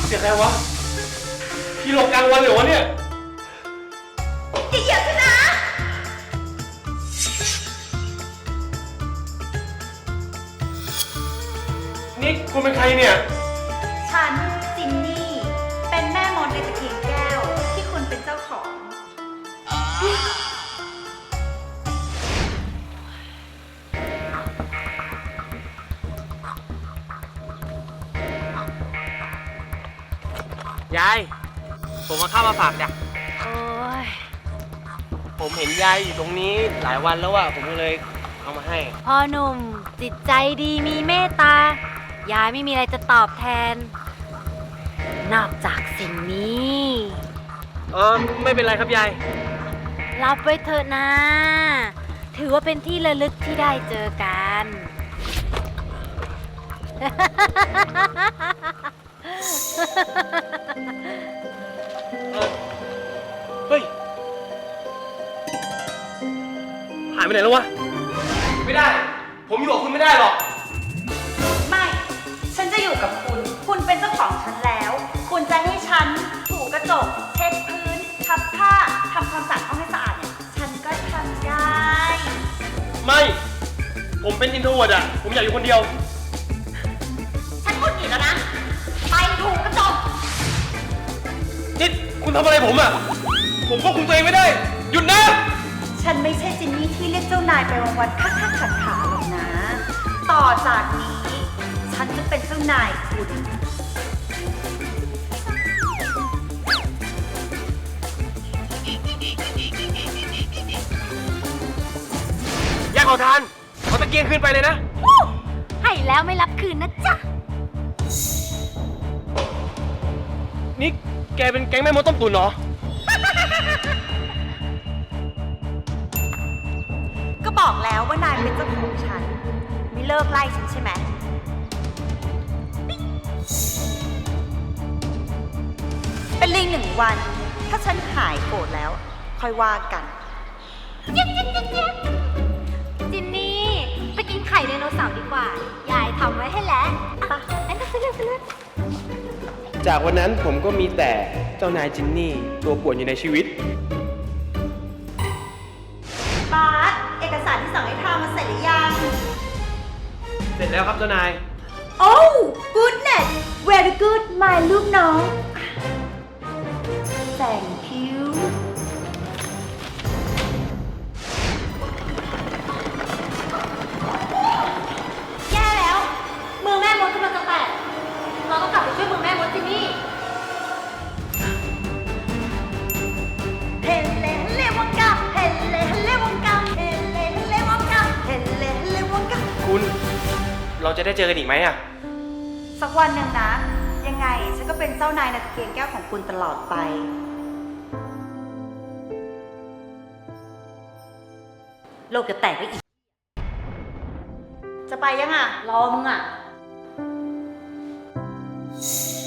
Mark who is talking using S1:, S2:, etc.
S1: เสียงอะไรวะพี่หลบกลางวันเหรอวะเนี่ย
S2: อย่าเหยียบฉันนะ
S1: นี่คุณเป็นใครเนี่ย
S2: ฉันจินนี่เป็นแม่มดในตะเกียงแก้วที่คุณเป็นเจ้าของ
S1: ยายผมมาเข้ามาฝากจ้ะ
S3: โอ้ย
S1: ผมเห็นยายอยู่ตรงนี้หลายวันแล้วอะผมก็เลยเอามาให้
S3: พ่อหนุ่มจิตใจดีมีเมตตายายไม่มีอะไรจะตอบแทน นอกจากสิ่งนี้
S1: ไม่เป็นไรครับยาย
S3: รับไว้เถอะนะ ถือว่าเป็นที่ระลึกที่ได้เจอกัน
S1: เฮ้ยหายไปไหนแล้ววะไม่ได้ผมอยู่กับคุณไม่ได้หรอก
S2: ไม่ ฉันจะอยู่กับคุณ คุณเป็นเจ้าของฉันแล้ว คุณจะให้ฉันถูกระจกเช็ดพื้นทับผ้าทำความสะอาดห้องให้สะอาดเนี่ยฉันก็ทำได้
S1: ไม่ผมเป็นอินโทรเวิร์ตอะผมอยากอยู่คนเดียว
S2: ฉันพูดผิดแล้วนะไปถูกกระจก
S1: นี่คุณทำอะไรผมอะผมควบคุมตัวเองไม่ได้หยุดนะ
S2: ฉันไม่ใช่จินนี่ที่เรียกเจ้านายไปวันๆคักๆขัดขาหรอกนะ ต่อจากนี้ฉันจะเป็นเจ้านายคุณ
S1: อยากขอทานเอาตะเกียงคืนไปเลยนะ
S3: ให้แล้วไม่รับคืนนะจ๊ะ
S1: นี่แกเป็นแก๊งแม่มดต้มตุ๋นเหรอ
S2: ก็บอกแล้วว่านายเป็นเจ้าของฉันไม่เลิกไล่ฉันใช่ไหมเป็นลิง1 วันถ้าฉันหายโกรธแล้วค่อยว่ากัน
S3: จินนี่ไปกินไข่ไดโนเสาร์ดีกว่ายายทำไว้ให้แล้วไปไปเลย
S1: จากวันนั้นผมก็มีแต่เจ้านายจินนี่ตัวป่วนอยู่ในชีวิต
S2: บาสเอกสารที่สั่งให้ทำมาเสร็จหรือยัง
S1: เสร็จแล้วครับเจ้านาย
S2: Oh goodness very good my ลูกน้อง Thank you แย่แล้วมือแม่มดกำลังจะแตกเราต้องกลับไปช่วยมือแม่มดจินนี่เฮเลเฮเลวังกาเฮเลเฮเลวังกาเฮเลเฮเลวังกาเฮเลเฮเลวังกา
S1: คุณเราจะได้เจอกันอีกไหมอะ
S2: สักวันหนึ่งนะยังไงฉันก็เป็นเจ้านายในตะเกียงแก้วของคุณตลอดไปโลกจะแตกไปอีกจะไปยังอ่ะรอมึงอ่ะ